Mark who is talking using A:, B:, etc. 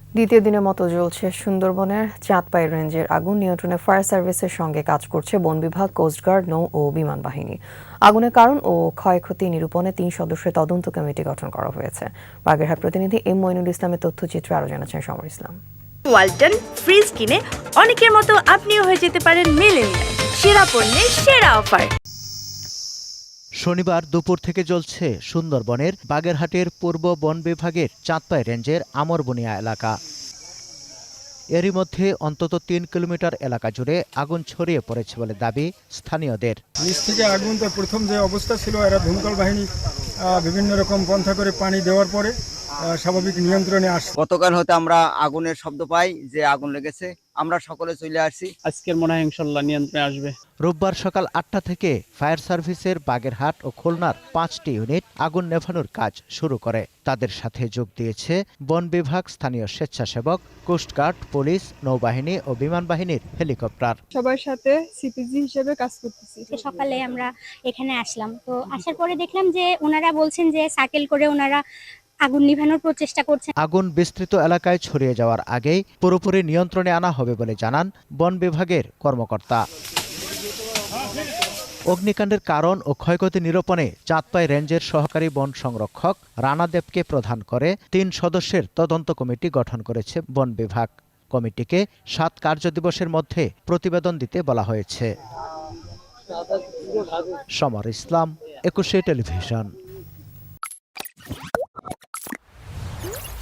A: দ্বিতীয় দিনের মতো জ্বলছে সুন্দরবনের চাঁদপাই রেঞ্জের আগুন। নিয়ন্ত্রণে ফায়ার সার্ভিসের সঙ্গে কাজ করছে বন বিভাগ, কোস্টগার্ড, নৌ ও বিমান বাহিনী। আগুনের কারণ ও ক্ষয়ক্ষতি নিরূপণে ৩ সদস্যের তদন্ত কমিটি গঠন করা হয়েছে। বাগেরহাট প্রতিনিধি এম মইনুল ইসলামের তথ্যচিত্রে আরও জানাচ্ছেন সমর ইসলাম।
B: ওয়ালটন ফ্রিজ কিনে অনেকের মতো আপনিও হয়ে যেতে পারেন মিলেনিয়াল। সেরা পণ্যের সেরা অফার।
C: শনিবার দুপুর থেকে জ্বলছে সুন্দরবনের বাগেরহাটের পূর্ব বন বিভাগের চাঁদপাই রেঞ্জের আমরবনিয়া এলাকা। এরই মধ্যে অন্তত ৩ কিলোমিটার এলাকা জুড়ে আগুন ছড়িয়ে পড়েছে বলে দাবি স্থানীয়দের।
D: নিচ থেকে আগুন তো প্রথম যে অবস্থা ছিল, এরা দমকল বাহিনী বিভিন্ন রকম পন্থা করে পানি দেওয়ার পরে স্বাভাবিক নিয়ন্ত্রণে আসে।
E: গতকাল হতে আমরা আগুনের শব্দ পাই যে আগুন লেগেছে, আমরা সকলে চলে আসছি।
F: আজকের মনে হয় ইনশাল্লাহ নিয়ন্ত্রণে আসবে।
C: রোববার সকাল ৮টা থেকে ফায়ার সার্ভিসের বাগেরহাট ও খুলনার ৫টি ইউনিট আগুন নেভানোর কাজ শুরু করে। তাদের সাথে যোগ দিয়েছে বন বিভাগ, স্থানীয় স্বেচ্ছাসেবক, কোস্টগার্ড, পুলিশ, নৌবাহিনী ও বিমান বাহিনীর হেলিকপ্টার।
G: সবার সাথে সিপিজি হিসেবে কাজ করতেছি।
H: সকালে আমরা এখানে আসলাম, তো আসার পরে দেখলাম যে ওনারা বলছেন যে সার্কেল করে ওনারা আগুন নিভানোর প্রচেষ্টা করছেন।
C: আগুন বিস্তৃত এলাকায় ছড়িয়ে যাওয়ার আগেই পুরোপুরি নিয়ন্ত্রণে আনা হবে বলে জানান বন বিভাগের কর্মকর্তা। অগ্নিকাণ্ডের কারণ ও ক্ষয়ক্ষতি নিরূপণে চাঁদপাই রেঞ্জের সহকারী বন সংরক্ষক রানা দেবকে প্রধান করে ৩ সদস্যের তদন্ত কমিটি গঠন করেছে বন বিভাগ। কমিটিকে ৭ কার্যদিবসের মধ্যে প্রতিবেদন দিতে বলা হয়েছে। সমর ইসলাম, ২১ টেলিভিশন।